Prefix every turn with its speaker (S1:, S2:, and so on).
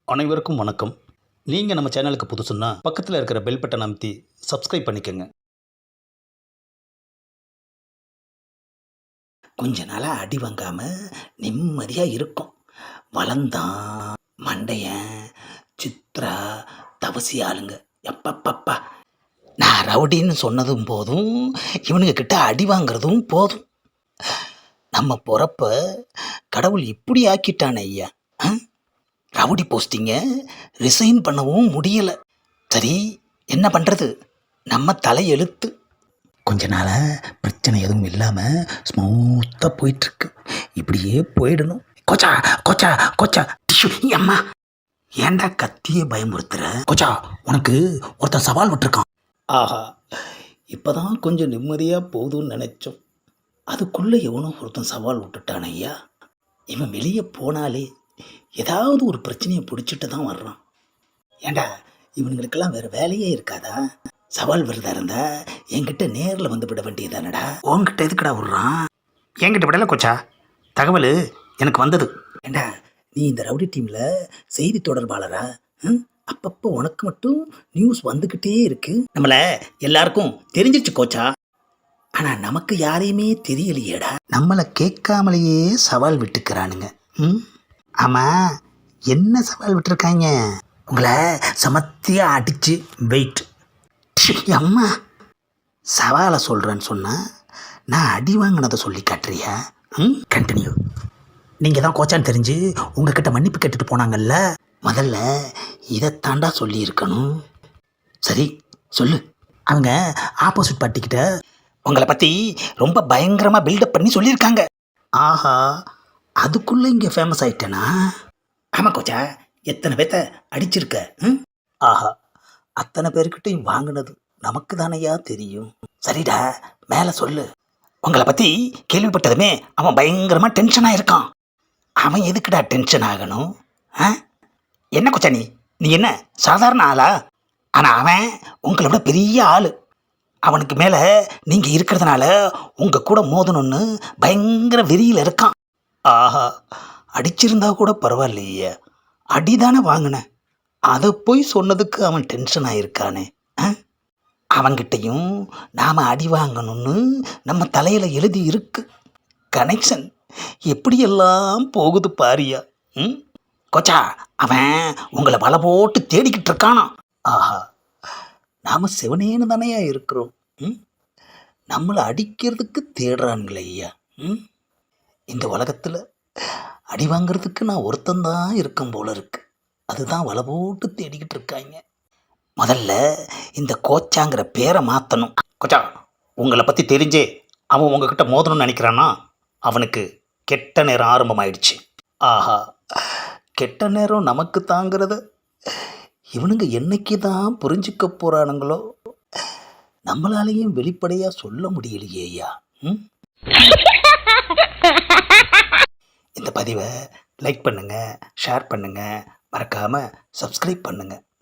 S1: அனைவருக்கும் வணக்கம். நீங்கள் நம்ம சேனலுக்கு புதுசுன்னா பக்கத்தில் இருக்கிற பெல் பட்டன் அமைத்தி சப்ஸ்கிரைப் பண்ணிக்கோங்க.
S2: கொஞ்ச நாளாக அடி வாங்காமல் நிம்மதியாக இருக்கும். வளர்ந்தான் மண்டையன் சித்ரா தவசி ஆளுங்க. எப்பப்பப்பா, நான் ரவுடின்னு சொன்னதும் போதும், இவனுங்க கிட்ட அடி வாங்குறதும் போதும். நம்ம பொறப்ப கடவுள் இப்படி ஆக்கிட்டானே ஐயா. ரவுடி போஸ்டிங்க ரிசைன் பண்ணவும் முடியலை. சரி, என்ன பண்ணுறது? நம்ம தலையெழுத்து. கொஞ்ச நாளாக பிரச்சனை எதுவும் இல்லாமல் ஸ்மூத்தாக போயிட்டுருக்கு. இப்படியே போயிடணும். கோச்சா கோச்சா கோச்சா டிஷ்யூ அம்மா, ஏன்டா கத்தியே பயமுறுத்துற? கோச்சா, உனக்கு ஒருத்தன் சவால் விட்டுருக்கான்.
S1: ஆஹா, இப்போ தான் கொஞ்சம் நிம்மதியாக போகுதுன்னு நினச்சோம்.
S2: அதுக்குள்ளே எவனோ ஒருத்தன் சவால் விட்டுட்டான் ஐயா. இவன் வெளியே போனாலே ஏதாவது ஒரு பிரச்சனையை பிடிச்சிட்டு தான் வர்றான். ஏண்டா, இவனுங்களுக்கெல்லாம் வேறு வேலையே இருக்காதா? சவால் விரதா இருந்தா என்கிட்ட நேரில் வந்து விட வேண்டியதானடா. உன்கிட்ட எதுக்குடா விட்றான்?
S1: என்கிட்ட விடலை கோச்சா, தகவல் எனக்கு வந்தது.
S2: ஏண்டா, நீ இந்த ரவுடி டீமில் செய்தி தொடர்பாளரா? அப்பப்போ உனக்கு மட்டும் நியூஸ் வந்துக்கிட்டே இருக்கு.
S1: நம்மளை எல்லாருக்கும் தெரிஞ்சிருச்சு கோச்சா.
S2: ஆனால் நமக்கு யாரையுமே தெரியலையேடா. நம்மளை கேட்காமலேயே சவால் விட்டுக்கிறானுங்க. ஆமாம், என்ன சவால் விட்டுருக்காங்க? உங்களை சமத்தியாக அடித்து வெயிட். அம்மா, சவாலை சொல்கிறேன்னு சொன்னால் நான் அடி வாங்கினதை சொல்லி காட்டுறியா? கண்டினியூ. நீங்கள் தான் கோச்சான்னு தெரிஞ்சு உங்ககிட்ட மன்னிப்பு கேட்டுட்டு போனாங்கல்ல, முதல்ல இதைத்தாண்டா சொல்லியிருக்கணும். சரி சொல்லு. அவங்க ஆப்போசிட் பார்ட்டிக்கிட்ட உங்களை பற்றி ரொம்ப பயங்கரமாக பில்டப் பண்ணி சொல்லியிருக்காங்க. ஆஹா, அதுக்குள்ளே இங்கே ஃபேமஸ் ஆகிட்டேனா? ஆமாம் கோச்சா, எத்தனை பேர்த்த அடிச்சிருக்க? ஆஹா, அத்தனை பேர்கிட்டையும் வாங்கினது நமக்கு தானையா தெரியும். சரிடா, மேலே சொல்லு. உங்களை பற்றி கேள்விப்பட்டதுமே அவன் பயங்கரமாக டென்ஷனாக இருக்கான். அவன் எதுக்குடா டென்ஷன் ஆகணும்? என்ன கொச்சா நீ என்ன சாதாரண ஆளா? ஆனால் அவன் உங்களை விட பெரிய ஆள். அவனுக்கு மேலே நீங்கள் இருக்கிறதுனால உங்கள் கூட மோதணும்னு பயங்கர வெறியில் இருக்கான். ஆஹா, அடிச்சிருந்தா கூட பரவாயில்லையே, அடிதானே வாங்கினேன், அதை போய் சொன்னதுக்கு அவன் டென்ஷன் ஆகிருக்கானே. அவங்கிட்டையும் நாம் அடி வாங்கணும்னு நம்ம தலையில் எழுதி இருக்கு. கனெக்ஷன் எப்படியெல்லாம் போகுது பாரியா. கோச்சா, அவன் உங்களை வலை போட்டு தேடிக்கிட்டு இருக்கானா? ஆஹா, நாம் சிவனேன்னு தானையா இருக்கிறோம். நம்மளை அடிக்கிறதுக்கு தேடுறானுங்களே ஐயா. இந்த உலகத்தில் அடி வாங்கிறதுக்கு நான் ஒருத்தந்தான் இருக்கும் போல இருக்கு. அதுதான் வலை போட்டு தேடிக்கிட்டு இருக்காங்க. முதல்ல இந்த கோச்சாங்கிற பேரை மாற்றணும்.
S1: கோச்சா, உங்களை பற்றி தெரிஞ்சே அவன் உங்ககிட்ட மோதணும்னு நினைக்கிறான்னா அவனுக்கு கெட்ட நேரம் ஆரம்பமாயிடுச்சு.
S2: ஆஹா, கெட்ட நேரம் நமக்கு தாங்கிறத இவனுங்க என்னைக்கு தான் புரிஞ்சிக்க போகிறானுங்களோ. நம்மளாலேயும் வெளிப்படையாக சொல்ல முடியலையே ஐயா. இந்த பதிவை லைக் பண்ணுங்கள், ஷேர் பண்ணுங்கள், மறக்காமல் சப்ஸ்கிரைப் பண்ணுங்கள்.